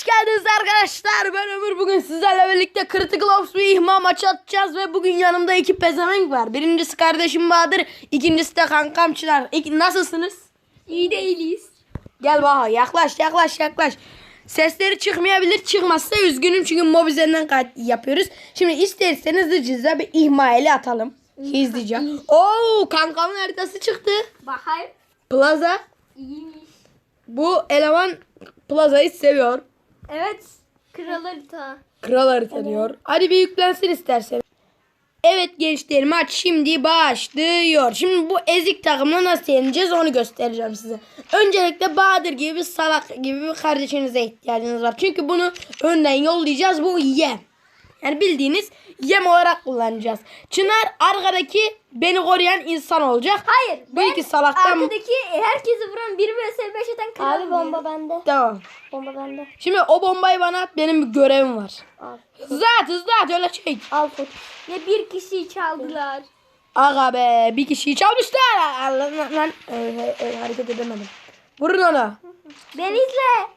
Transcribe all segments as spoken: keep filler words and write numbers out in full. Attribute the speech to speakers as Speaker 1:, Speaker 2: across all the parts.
Speaker 1: geldiniz arkadaşlar. Ben Ömür. Bugün sizlerle birlikte Critical Ops bir ihma maçı atacağız ve bugün yanımda iki pezevenk var. Birincisi kardeşim Bahadır, ikincisi de kankam Çınar. İki, nasılsınız?
Speaker 2: İyi değiliz.
Speaker 1: Gel Baha, yaklaş yaklaş yaklaş. Sesleri çıkmayabilir, çıkmazsa üzgünüm çünkü mob üzerinden kayıt yapıyoruz. Şimdi isterseniz hızlıca bir ihma eli atalım. Hızlıca. Oo, kankamın haritası çıktı.
Speaker 2: Bakayım.
Speaker 1: Plaza.
Speaker 2: İyiymiş.
Speaker 1: Bu eleman Plaza'yı seviyor.
Speaker 2: Evet. Kral harita.
Speaker 1: Kral harita diyor. Hadi bir yüklensin istersen. Evet gençler, maç şimdi başlıyor. Şimdi bu ezik takımla nasıl yeneceğiz onu göstereceğim size. Öncelikle Bahadır gibi bir salak gibi bir kardeşinize ihtiyacınız var. Çünkü bunu önden yollayacağız. Bu yem. Yani bildiğiniz yem olarak kullanacağız. Çınar arkadaki beni koruyan insan olacak.
Speaker 2: Hayır.
Speaker 1: Bu iki salaktan...
Speaker 2: Arkadaki herkesi vuran bir vs beş atan kral.
Speaker 3: Abi bomba bende.
Speaker 1: Tamam.
Speaker 3: Bomba bende.
Speaker 1: Şimdi o bombayı bana at, benim bir görevim var.
Speaker 3: Al.
Speaker 1: Hızlı at hızlı at, öyle çek.
Speaker 3: Al tut.
Speaker 2: Ne bir kişiyi çaldılar.
Speaker 1: Aga be, bir kişiyi çalmışlar. Allah lan, lan. Ee, e, e, hareket edemedim. Vurun ona.
Speaker 2: Ben izle.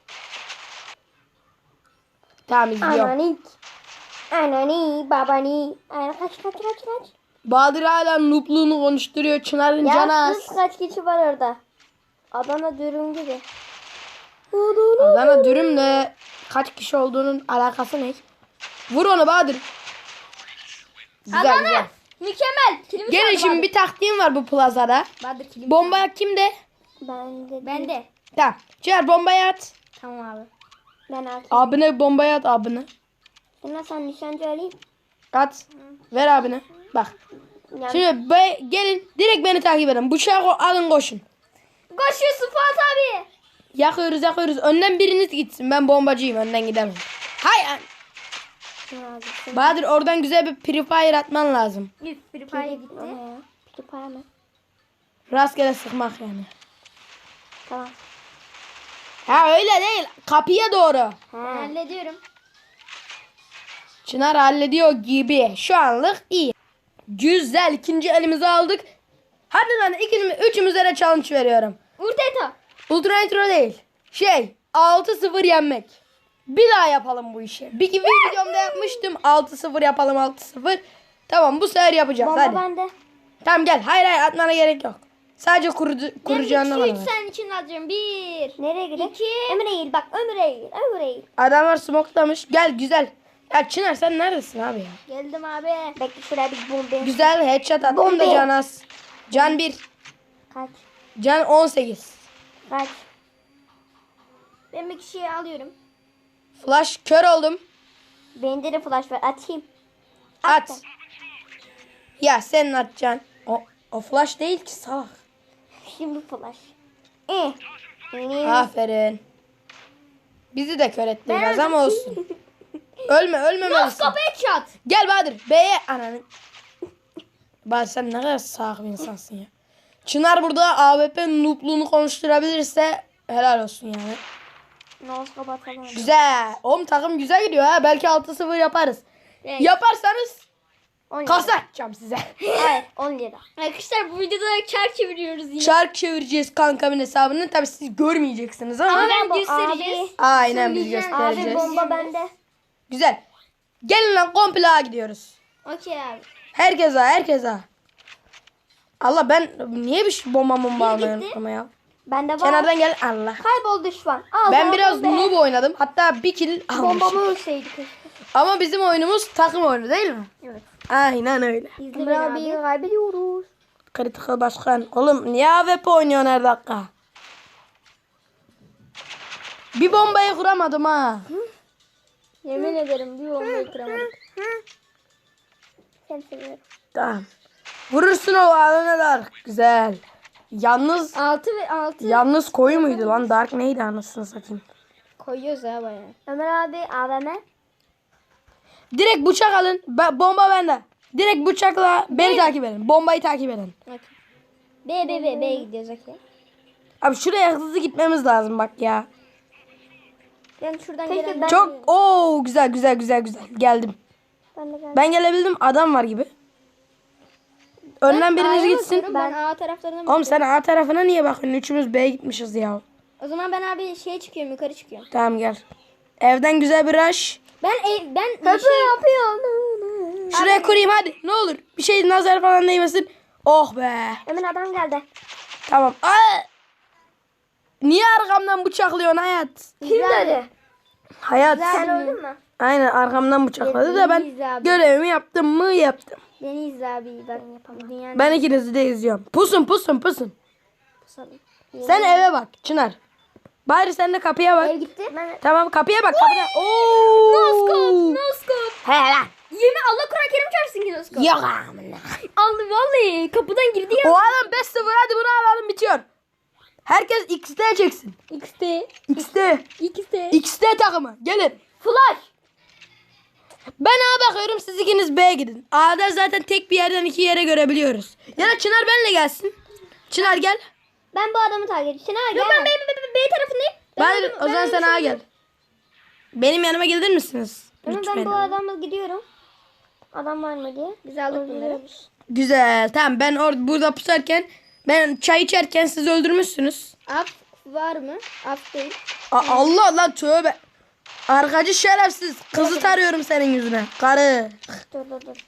Speaker 1: Tamam, izliyorum.
Speaker 3: Ananik. Anani babani. Ana kaç kaç kaç kaç.
Speaker 1: Bahadır hala noobluğunu konuşturuyor. Çınar'ın
Speaker 3: Ya
Speaker 1: canı az.
Speaker 3: sus, kaç kişi var orada. Adana dürüm gibi.
Speaker 1: Adana dürümle kaç kişi olduğunun alakası ne? Vur onu Bahadır. Güzel
Speaker 2: Adana.
Speaker 1: güzel.
Speaker 2: Mükemmel. Kilimi
Speaker 1: Gelin
Speaker 2: çaldı
Speaker 1: şimdi
Speaker 2: Bahadır.
Speaker 1: bir taktiğim var bu plazada.
Speaker 2: Bahadır kilimi
Speaker 1: Bomba kimde?
Speaker 3: Ben de.
Speaker 2: Ben de.
Speaker 1: Tamam. Çınar bombayı at.
Speaker 2: Tamam abi.
Speaker 3: Ben at.
Speaker 1: Abine bombayı at abine.
Speaker 3: Sonra sen nişancı alayım.
Speaker 1: At. Ver abine. Bak.
Speaker 3: Yani
Speaker 1: Şimdi be, gelin direkt beni takip edin. Bıçağı ko- alın koşun.
Speaker 2: Koşuyorsun Fuat abi.
Speaker 1: Yakıyoruz yakıyoruz. Önden biriniz gitsin. Ben bombacıyım. Önden gidemem. Hay an-
Speaker 3: abi. Sen
Speaker 1: Bahadır, oradan güzel bir Free Fire atman lazım.
Speaker 2: Üf bir paya gitti.
Speaker 3: o ne ya? Peki para mı?
Speaker 1: Rastgele sıkmak yani.
Speaker 3: Tamam.
Speaker 1: Ha öyle değil. Kapıya doğru.
Speaker 3: He.
Speaker 2: Hallediyorum.
Speaker 1: Çınar hallediyor gibi. Şu anlık iyi. Güzel. İkinci elimizi aldık. Hadi lan ikimiz, üçümüze de challenge veriyorum.
Speaker 2: Urteta.
Speaker 1: Ultra intro değil. Şey, altı sıfır yenmek. Bir daha yapalım bu işi. Bir, bir videomda yapmıştım. altı sıfır yapalım, altı sıfır. Tamam, bu sefer yapacağız.
Speaker 3: Bomba
Speaker 1: Hadi.
Speaker 3: bende.
Speaker 1: Tamam gel. Hayır hayır, atmana gerek yok. Sadece kurucu,
Speaker 2: Ben
Speaker 1: kuracağını
Speaker 2: iki
Speaker 1: bana
Speaker 2: üç
Speaker 1: ver.
Speaker 2: senin için alacağım. Bir.
Speaker 3: Nereye gidelim?
Speaker 2: İki.
Speaker 3: Ömür eğil bak ömür eğil. Ömür eğil.
Speaker 1: Adamlar smoklamış. Gel güzel. Ya Çınar sen neredesin abi ya?
Speaker 2: Geldim abi.
Speaker 3: Bekle şuraya bir bomba.
Speaker 1: Güzel headshot at. Onu da
Speaker 3: Bombe.
Speaker 1: can az. Can bir.
Speaker 3: Kaç.
Speaker 1: Can on sekiz.
Speaker 3: Kaç.
Speaker 2: Ben bir kişiyi alıyorum.
Speaker 1: Flash kör oldum.
Speaker 3: Bende de flash var. Atayım.
Speaker 1: At. Ya sen atacaksın. O, o flash değil ki salak.
Speaker 3: Şimdi flash. Eh. Eh.
Speaker 1: Aferin. Bizi de kör etti biraz ama olsun. Ölme ölmemelisin.
Speaker 2: Noskop headshot.
Speaker 1: Gel Bahadır. B'ye ananı. Bahadır sen ne kadar salak bir insansın ya. Çınar burada A W P noobluğunu konuşturabilirse helal olsun yani.
Speaker 3: Noskop atalım.
Speaker 1: Güzel. Oğlum takım güzel gidiyor ha. Belki altı sıfır yaparız.
Speaker 2: Evet.
Speaker 1: Yaparsanız
Speaker 3: on lira.
Speaker 1: kasa atacağım size.
Speaker 3: Hayır on lira.
Speaker 2: Arkadaşlar bu videoda çark çeviriyoruz yine.
Speaker 1: Çark çevireceğiz kankamın hesabını. Tabii siz görmeyeceksiniz ama.
Speaker 2: Ama
Speaker 3: Abi,
Speaker 2: ben göstereceğiz.
Speaker 1: Aynen biz
Speaker 2: Söyleyeceğim.
Speaker 1: göstereceğiz.
Speaker 3: Abi bomba bende.
Speaker 1: Güzel. Gelin lan komple A gidiyoruz.
Speaker 2: Okey abi.
Speaker 1: Herkes A, herkes A. Allah ben niye bir şey bomba bomba almayı
Speaker 2: gitti.
Speaker 1: unuttum ya.
Speaker 3: Bende var.
Speaker 1: Kenardan gel Allah.
Speaker 3: Kaybol düşman. Al
Speaker 1: Ben
Speaker 3: sana
Speaker 1: biraz
Speaker 3: bomba.
Speaker 1: noob oynadım. Hatta bir kill almışım.
Speaker 3: Bombamı ölseydi keşke.
Speaker 1: Ama bizim oyunumuz takım oyunu değil mi?
Speaker 2: Evet.
Speaker 1: Aynen öyle.
Speaker 2: İzle
Speaker 3: Ömür
Speaker 2: beni
Speaker 3: abi
Speaker 2: abi.
Speaker 3: kaybediyoruz.
Speaker 1: Critical başkan. Oğlum niye A W P oynuyorsun her dakika? Bir bombayı kuramadım ha.
Speaker 3: Yemin ederim bir bombayı kıramadık. Seni seviyorum.
Speaker 1: Tamam. Vurursun o alana Dark. Güzel. Yalnız
Speaker 2: altı ve altı
Speaker 1: yalnız koyu muydu lan? Dark neydi anasını satayım.
Speaker 2: koyuyoruz ha bayağı.
Speaker 3: Ömer abi A V M.
Speaker 1: Direkt bıçak alın. Ba- bomba bende. Direkt bıçakla beni takip edin. Bombayı takip edin.
Speaker 2: Okey. B B B B gidiyoruz okey.
Speaker 1: Abi şuraya hızlı gitmemiz lazım bak ya.
Speaker 2: Ben şuradan
Speaker 3: Peki
Speaker 2: gelen
Speaker 3: ben-
Speaker 1: Çok ooo güzel güzel güzel güzel. Geldim.
Speaker 3: Ben de geldim.
Speaker 1: Ben gelebildim, adam var gibi. Önden biriniz
Speaker 2: A'ya
Speaker 1: gitsin.
Speaker 2: bakıyorum, Ben A taraflarına
Speaker 1: Oğlum sen A tarafına niye bakıyorsun? Üçümüz B'ye gitmişiz ya.
Speaker 2: O zaman ben abi şeye çıkıyorum yukarı çıkıyorum.
Speaker 1: Tamam gel. Evden güzel bir rush.
Speaker 2: Ben ev, ben
Speaker 3: Kötü
Speaker 2: şey,
Speaker 3: yapıyor.
Speaker 1: Şuraya kurayım hadi. Ne olur. Bir şey nazar falan değmesin. Oh be.
Speaker 3: Emin adam geldi.
Speaker 1: Tamam. Aa! Niye arkamdan bıçaklıyorsun hayat?
Speaker 3: Kim dedi?
Speaker 1: Hayat.
Speaker 3: Sen öldün mü?
Speaker 1: Aynen arkamdan bıçakladı da ben
Speaker 2: Deniz abi.
Speaker 1: görevimi yaptım mı yaptım.
Speaker 2: Deniz abi bak dünyanın
Speaker 1: Ben ikinizi de izliyorum. Pusun pusun pusun.
Speaker 2: pusalım.
Speaker 1: Sen eve bak Çınar. Bari sen de kapıya bak.
Speaker 2: Ev gitti.
Speaker 3: Ben
Speaker 1: Tamam kapıya bak kapıya. Oo.
Speaker 2: Noskop, noskop.
Speaker 1: He lan.
Speaker 2: Yemin Allah Kur'an Kerim çarpsın ki noskop.
Speaker 1: Yok amına.
Speaker 2: Allah vallahi kapıdan girdi ya.
Speaker 1: O adam beş sıfır hadi bunu alalım bitiyor. Herkes X T çeksin.
Speaker 2: X T,
Speaker 1: X T.
Speaker 2: X T.
Speaker 1: X T takımı gelin.
Speaker 2: Flash.
Speaker 1: Ben A'ya bakıyorum siz ikiniz B'ye gidin. A'da zaten tek bir yerden iki yere görebiliyoruz. Ya da Çınar benle gelsin. Çınar gel.
Speaker 3: ben bu adamı takip edeceğim. Çınar
Speaker 2: Yok
Speaker 3: gel.
Speaker 2: ben B, B, B, B tarafındayım.
Speaker 1: Ben,
Speaker 2: öldüm-
Speaker 1: o zaman sen
Speaker 2: ölmüş
Speaker 1: A'ya
Speaker 2: oldum.
Speaker 1: gel. Benim yanıma gelir misiniz?
Speaker 3: Ama ben
Speaker 1: Lütfen.
Speaker 3: bu adamla gidiyorum. Adam var mı diye.
Speaker 2: Biz aldık bunları.
Speaker 3: Öldürüyoruz.
Speaker 1: Güzel. Tamam ben orada burada pusarken ben çay içerken siz öldürmüşsünüz.
Speaker 2: Af var mı? Af değil.
Speaker 1: A- Allah lan tövbe. Arkacı şerefsiz. Kızı tarıyorum senin yüzüne. Karı.
Speaker 3: Dur dur dur.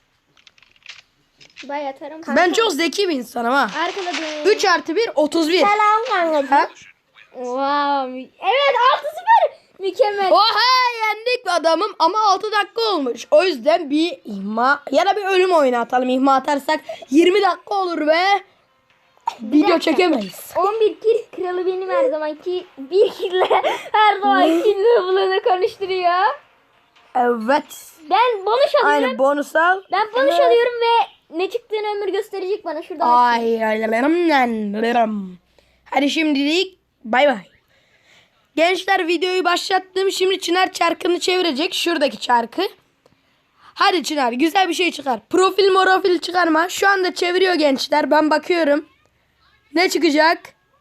Speaker 2: Bayağı tarım.
Speaker 1: Ben çok zeki bir insanım ha.
Speaker 2: Arkaladım.
Speaker 1: üç artı bir otuz bir.
Speaker 3: Selam kankacığım.
Speaker 1: Ha?
Speaker 2: Wow. mü- Evet altı sıfır. Mükemmel.
Speaker 1: Oha yendik be adamım ama altı dakika olmuş. O yüzden bir ihma ya da bir ölüm oyunu atalım. İhma atarsak yirmi dakika olur ve video çekemeyiz.
Speaker 2: on bir kill kralı benim her zamanki bir kille her zamanki level'ını konuşturuyor.
Speaker 1: Evet.
Speaker 2: Ben bonus alıyorum.
Speaker 1: Aynı bonus al.
Speaker 2: Ben bonus alıyorum ve ne çıktığını ömür gösterecek bana şurada.
Speaker 1: Ay ay. Hadi şimdilik bay bay. Gençler videoyu başlattım. Şimdi Çınar çarkını çevirecek. Şuradaki çarkı. Hadi Çınar güzel bir şey çıkar. Profil morofil çıkarma. Şu anda çeviriyor gençler. Ben bakıyorum. Ne çıkacak?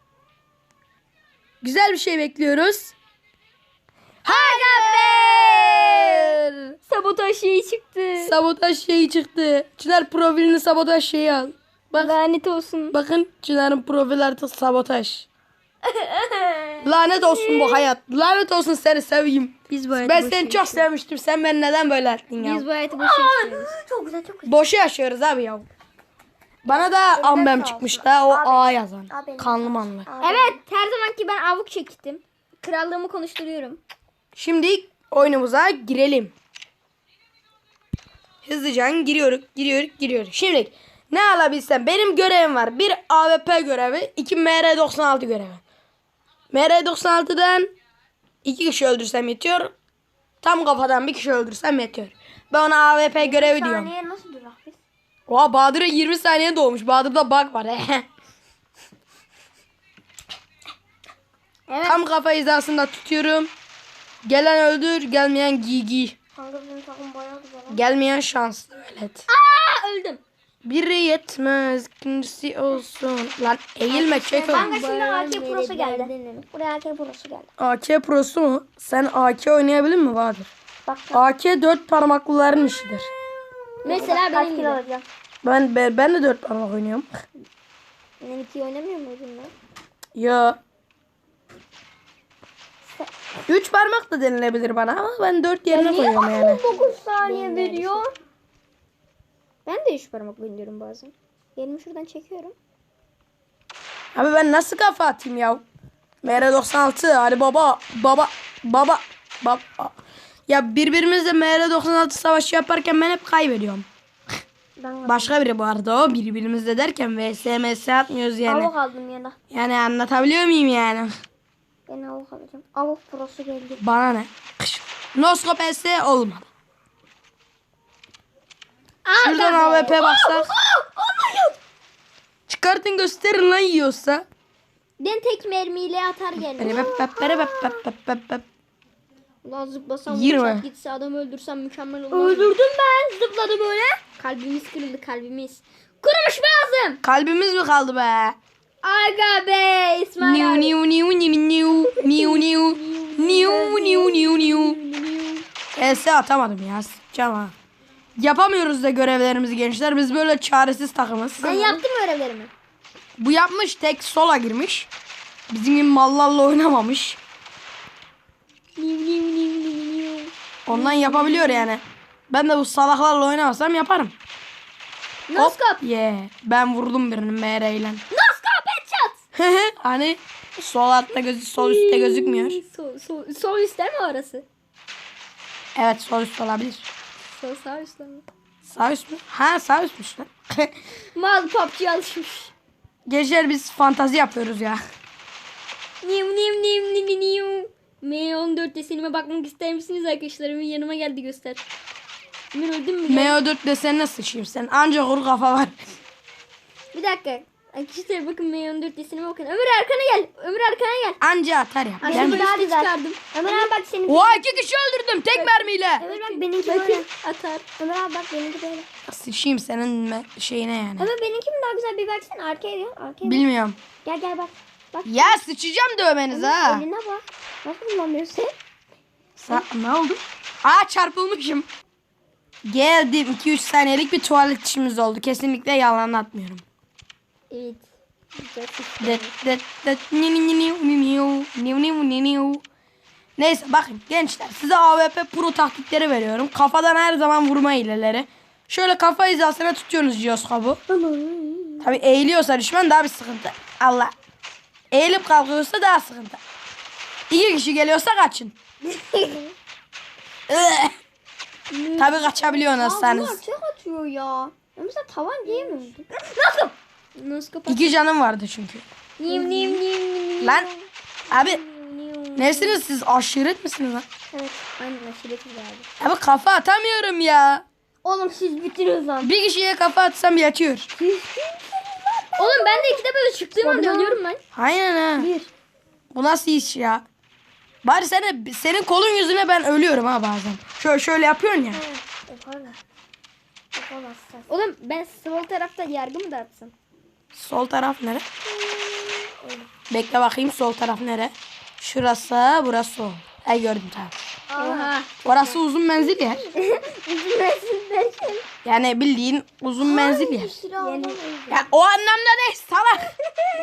Speaker 1: Güzel bir şey bekliyoruz. Haber!
Speaker 2: Sabotaj şeyi çıktı.
Speaker 1: Sabotaj şeyi çıktı. Çınar profilini sabotaj şeyi al. Bak.
Speaker 2: Lanet olsun.
Speaker 1: Bakın Çınar'ın profil artık sabotaj. Lanet olsun bu hayat. Lanet olsun seni seveyim.
Speaker 2: Biz bu
Speaker 1: Ben seni çok sevmiştim. Sen beni neden böyle ettin ya?
Speaker 2: Biz bu hayatı boşa yaşıyoruz.
Speaker 3: Çok güzel çok güzel.
Speaker 1: Boşu yaşıyoruz abi ya. Bana da ambem
Speaker 3: sağ
Speaker 1: çıkmış da o
Speaker 3: Abi.
Speaker 1: A yazan.
Speaker 3: Abi.
Speaker 1: Kanlı manlı.
Speaker 2: Evet her zamanki ben avuk çektim. Krallığımı konuşturuyorum.
Speaker 1: Şimdi oyunumuza girelim. Hızlıca giriyoruz, giriyoruz, giriyoruz. Şimdi ne alabilsem benim görevim var. Bir A W P görevi, iki M R doksan altı görevi. M R doksan altıdan iki kişi öldürsem yetiyor. Tam kafadan bir kişi öldürsem yetiyor. Ben ona A W P görevi diyorum.
Speaker 3: Saniye nasıl durak biz?
Speaker 1: Oha Bahadır'a yirmi saniye doğmuş. Bahadır'da bug var.
Speaker 2: Evet.
Speaker 1: Tam kafa hizasında tutuyorum. Gelen öldür, gelmeyen giy giy.
Speaker 3: Kanka bizim takım bayağı güzel.
Speaker 1: Gelmeyen şanslı velet.
Speaker 2: Aa, öldüm.
Speaker 1: Biri yetmez, ikincisi olsun. Lan eğilme çek
Speaker 3: Kanka
Speaker 1: onu.
Speaker 3: şimdi A K
Speaker 2: Bayağı
Speaker 3: Pro'su geldi.
Speaker 2: derdin.
Speaker 3: Buraya A K Pro'su geldi.
Speaker 1: A K Pro'su mu? Sen A K oynayabilir mi Bahadır?
Speaker 3: Bak
Speaker 1: A K dört parmaklıların işidir.
Speaker 2: Mesela
Speaker 3: kaç
Speaker 2: benim
Speaker 3: kilo
Speaker 2: gibi.
Speaker 3: alacağım?
Speaker 1: Ben ben, ben de dört parmak oynuyorum.
Speaker 2: Ben iki oynamıyor muydun lan?
Speaker 1: Ya. Üç parmak da denilebilir bana ama ben dört yerine koyuyorum yani.
Speaker 3: dokuz saniye veriyor.
Speaker 2: Ben de üç parmak oynuyorum bazen. Elimi şuradan çekiyorum.
Speaker 1: Abi ben nasıl kafa atayım ya? M R doksan altı hadi baba baba baba baba. Ya birbirimizle M R doksan altı savaşı yaparken ben hep kaybediyorum.
Speaker 3: Ben
Speaker 1: Başka biri bu arada o birbirimizle derken V S M S atmıyoruz yani.
Speaker 3: avuk aldım yana.
Speaker 1: Yani anlatabiliyor muyum yani?
Speaker 3: Ben avuk alacağım. Avuk Pro'su geldi.
Speaker 1: Bana ne? Noskop S olmadı. Şuradan A W P baksak. Çıkartın gösterin lan yiyorsa.
Speaker 2: Ben tek mermiyle atar geldim.
Speaker 1: Bere bep bep bere bep bep bep bep bep.
Speaker 2: Ulan zıplasam
Speaker 1: Yirmi.
Speaker 2: uçak gitse adam öldürsem mükemmel olur. Öldürdüm ben. Zıpladı böyle. Kalbimiz kırıldı kalbimiz. Kurumuş boğazım.
Speaker 1: Kalbimiz mi kaldı be?
Speaker 2: Aga be İsmail
Speaker 1: Niu
Speaker 2: abi.
Speaker 1: niu niu niu niu niu niu niu niu niu niu. S atamadım ya. Sıçacağım ha. Yapamıyoruz da görevlerimizi gençler. Biz böyle çaresiz takımız.
Speaker 2: Ben yaptım görevlerimi.
Speaker 1: Bu yapmış tek sola girmiş. Bizim gibi mallarla oynamamış.
Speaker 2: Niu niu niu niu
Speaker 1: Ondan yapabiliyor yani. Ben de bu salaklarla oynamasam yaparım.
Speaker 2: Noskop.
Speaker 1: Yeah. Ben vurdum birini M R ile.
Speaker 2: Noskop headshot.
Speaker 1: Hani sol altta gözü sol üstte gözükmüyor.
Speaker 2: Sol, sol, sol üstte mi orası?
Speaker 1: Evet sol üst olabilir.
Speaker 2: Sol sağ üstte mi?
Speaker 1: Sağ üst mü? Ha sağ üstmüş lan.
Speaker 2: Mal P U B G'ye alışmış.
Speaker 1: Gençler biz fantazi yapıyoruz ya.
Speaker 2: Nim nim nim nim nim. M on dört desenime bakmak ister misiniz arkadaşlar? Hemen yanıma geldi göster. Emir öldün mü?
Speaker 1: M O dört desenine sıçayım sen. Anca kuru kafa var.
Speaker 2: Bir dakika. Arkadaşlar bakın M on dört desenime bakın. Ömür arkana gel. Ömür arkana gel.
Speaker 1: Anca atar ya.
Speaker 2: Ay,
Speaker 1: Ben...
Speaker 2: böyle
Speaker 3: daha
Speaker 2: üstü
Speaker 3: güzel.
Speaker 2: çıkardım.
Speaker 3: Ömer abi bak senin.
Speaker 1: Oha iki kişi öldürdüm tek mermiyle.
Speaker 3: Ömer bak benimki böyle.
Speaker 2: Bakın atar.
Speaker 3: Ömer abi bak benimki böyle.
Speaker 1: Sıçayım senin me- şeyine yani.
Speaker 3: Ömer benimki mi daha güzel bir baksana arkaya gel. Arkaya bak.
Speaker 1: Bilmiyorum.
Speaker 3: Gel gel bak. Bak.
Speaker 1: Ya sıçacağım dövmeniz ha.
Speaker 3: Eline bak. Nasıl kullanıyorsun?
Speaker 1: Sa- ne oldu? Aa çarpılmışım. Geldim. iki üç saniyelik bir tuvalet işimiz oldu. Kesinlikle yalan atmıyorum.
Speaker 2: Evet. Güzel sıçtı.
Speaker 1: Det, det, det, ni, ni, ni, ni, ni, ni, ni, ni, ni, ni, ni. Neyse bakın gençler size A W P Pro taktikleri veriyorum. Kafadan her zaman vurma hileleri. Şöyle kafa hizasına tutuyorsunuz jiroskopu. Tabi eğiliyorsa düşman daha bir sıkıntı. Allah. Eğilip kalkıyorsa daha sıkıntı. İki kişi geliyorsa kaçın. Tabi kaçabiliyorsunuz
Speaker 3: Bunlar
Speaker 1: sanız.
Speaker 3: çok atıyor ya. Mesela tavan diye mi öldü?
Speaker 2: Noskop. Noskop.
Speaker 1: İki canım vardı çünkü.
Speaker 2: Nim nim nim nim.
Speaker 1: Lan abi
Speaker 2: nim.
Speaker 1: nesiniz siz aşiret misiniz lan?
Speaker 2: Evet. Aynen aşiretiz abi.
Speaker 1: Abi kafa atamıyorum ya.
Speaker 3: Oğlum siz bitiriyorsunuz lan.
Speaker 1: Bir kişiye kafa atsam yatıyor.
Speaker 2: Oğlum ben de ikide böyle çıktığım anda
Speaker 3: Sonra-
Speaker 2: ölüyorum ben.
Speaker 1: Aynen ha.
Speaker 3: Bir.
Speaker 1: Bu nasıl iş ya? Bari seni, senin kolun yüzüne ben ölüyorum ha bazen. Şöyle şöyle yapıyorsun ya.
Speaker 3: Yaparlar. Yapamazsın.
Speaker 2: Oğlum ben sol tarafta yargı mı dağıtsam?
Speaker 1: Sol taraf nere? Bekle bakayım sol taraf nere? Şurası, burası sol. Ay gördüm tamam.
Speaker 2: Oha.
Speaker 1: Orası uzun menzil yer. Yani bildiğin uzun menzil yer.
Speaker 3: Yani.
Speaker 1: Ya o anlamda değil salak.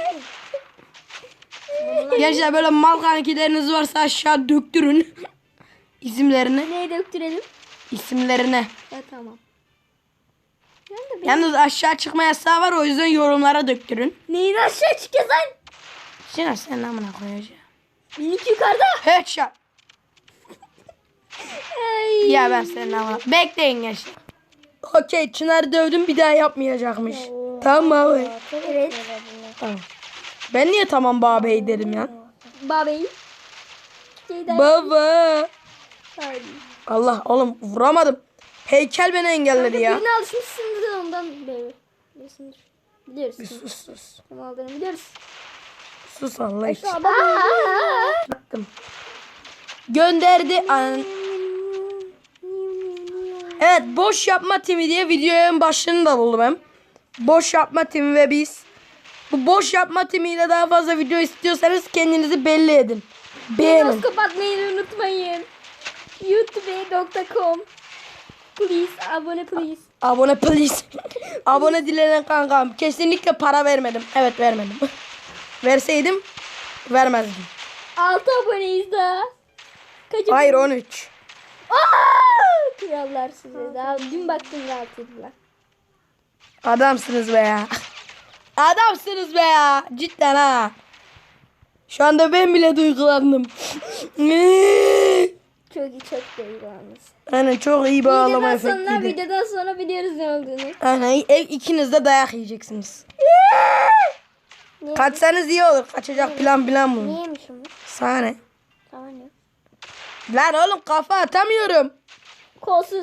Speaker 1: Gençler böyle mal kankileriniz varsa aşağı döktürün. İsimlerini.
Speaker 2: Neyi döktürelim?
Speaker 1: İsimlerini.
Speaker 2: Ya tamam. Ben de
Speaker 1: Yalnız aşağı çıkma yasağı var o yüzden yorumlara döktürün.
Speaker 2: neyin aşağı çıkacağız lan?
Speaker 1: Çınar senin amına koyacağım.
Speaker 2: Benimki yukarıda.
Speaker 1: Headshot.
Speaker 2: Ay.
Speaker 1: Ya ben senin amına. Bekleyin gençler. Okey Çınar dövdüm bir daha yapmayacakmış. Tamam abi.
Speaker 2: Evet.
Speaker 1: Tamam. Ben niye tamam babey dedim ya?
Speaker 2: Babayı. Şeyden.
Speaker 1: Baba.
Speaker 2: Ay.
Speaker 1: Allah oğlum vuramadım. Heykel beni engelledi ya.
Speaker 2: Birine alışmışsındır ondan böyle. Biliyorsundur. Biliyoruz.
Speaker 1: Bir sus sus.
Speaker 2: Kim aldığını biliyoruz.
Speaker 1: Sus Allah için.
Speaker 2: Aa.
Speaker 1: Baktım. Gönderdi. An- Evet boş yapma timi diye videonun başlığını da buldum hem. Boş yapma timi ve biz. Bu boş yapma timiyle daha fazla video istiyorsanız kendinizi belli edin. Beğenin.
Speaker 2: Noskop atmayı unutmayın. youtube nokta com Please abone please.
Speaker 1: Abone please. Abone dilenen kankam. Kesinlikle para vermedim. Evet vermedim. Verseydim vermezdim.
Speaker 2: altı aboneyiz daha. Kaç
Speaker 1: Hayır on üç.
Speaker 2: Aa! Krallar size. Daha dün baktım rahat ediler.
Speaker 1: Adamsınız be ya. Adamsınız be ya. Cidden ha. Şu anda ben bile duygulandım.
Speaker 2: Çok iyi çok değil yalnız.
Speaker 1: Aynen çok iyi bağlama
Speaker 2: Videodan sonra,
Speaker 1: efektiydi.
Speaker 2: videodan sonra biliyoruz ne olduğunu.
Speaker 1: Aynen e, ikiniz de dayak yiyeceksiniz. Kaçsanız iyi olur. Kaçacak plan plan bu.
Speaker 3: Niye yemişim bu?
Speaker 1: Sana ne?
Speaker 3: Tamam ya.
Speaker 1: Lan oğlum kafa atamıyorum.
Speaker 2: Kolsuz.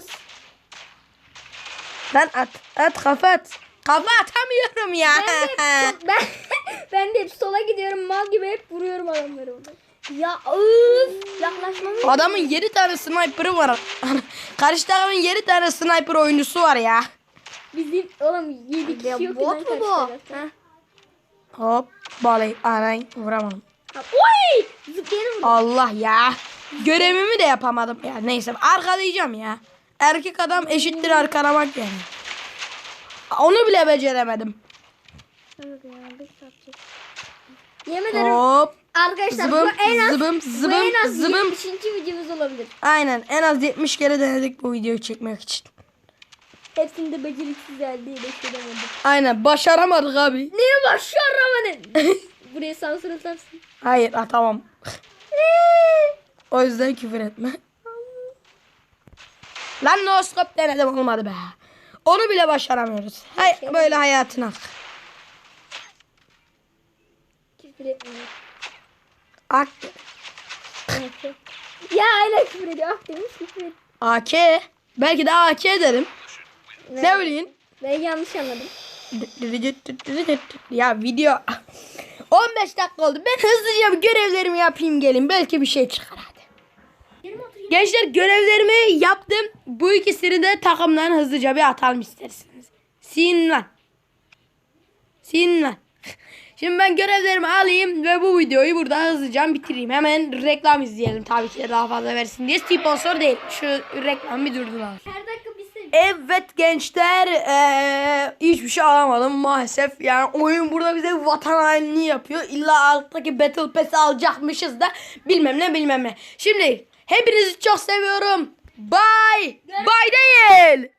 Speaker 1: Lan at at kafa at. Kafa atamıyorum ya.
Speaker 2: Ben de hep, ben, ben de hep sola gidiyorum mal gibi hep vuruyorum adamları orada.
Speaker 3: Ya öf. Yaklaşmamı.
Speaker 1: Adamın yedi tane sniper'ı var. Karşı takımın yedi tane sniper oyuncusu var ya.
Speaker 2: Bizim oğlum yedi kişi yok.
Speaker 3: Bot
Speaker 2: lan
Speaker 3: mu bu?
Speaker 2: karşı tarafta.
Speaker 3: Heh.
Speaker 1: Hop balay anay vuramadım.
Speaker 2: Oy! Zıplayalım.
Speaker 1: Allah ya. Görevimi de yapamadım ya. Neyse arkalayacağım ya. Erkek adam eşittir arkalamak yani. Onu bile beceremedim.
Speaker 3: Evet ya, bir saat çek.
Speaker 2: Yemin ederim.
Speaker 1: Hop.
Speaker 2: Arkadaşlar
Speaker 1: Zıbım,
Speaker 2: bu en az
Speaker 1: zıbım,
Speaker 2: bu
Speaker 1: zıbım,
Speaker 2: en az
Speaker 1: zıbım.
Speaker 2: yetmişinci videomuz olabilir.
Speaker 1: Aynen en az yetmiş kere denedik bu videoyu çekmek için.
Speaker 2: Hepsini de beceriksiz halde edemedim.
Speaker 1: Aynen başaramadık abi.
Speaker 2: Niye başaramadın? Buraya sansür atarsın.
Speaker 1: Hayır atamam. O yüzden küfür etme. Lan no scope denedim olmadı be. Onu bile başaramıyoruz. Hay böyle hayatına.
Speaker 2: Küfür etmiyor.
Speaker 1: Ak
Speaker 2: Neyse. Ya hala küfür ediyor. Ah demiş küfür ediyor.
Speaker 1: A K. Belki de A K derim. Ne bileyim.
Speaker 2: Ben yanlış anladım.
Speaker 1: Ya video on beş dakika oldu. Ben hızlıca bir görevlerimi yapayım gelin. Belki bir şey çıkar hadi. Gençler görevlerimi yaptım. Bu ikisini de takımdan hızlıca bir atalım isterseniz. Sin lan. Sin lan. Şimdi ben görevlerimi alayım ve bu videoyu burada hızlıca bitireyim. Hemen reklam izleyelim tabii ki de daha fazla versin diye. Sponsor değil. Şu reklam bir durdular.
Speaker 2: Her dakika bir sev.
Speaker 1: Evet gençler ee, hiçbir şey alamadım maalesef. Yani oyun burada bize vatan hainliği yapıyor. İlla alttaki Battle Pass'i alacakmışız da bilmem ne bilmem ne. Şimdi hepinizi çok seviyorum. Bye. Bye değil.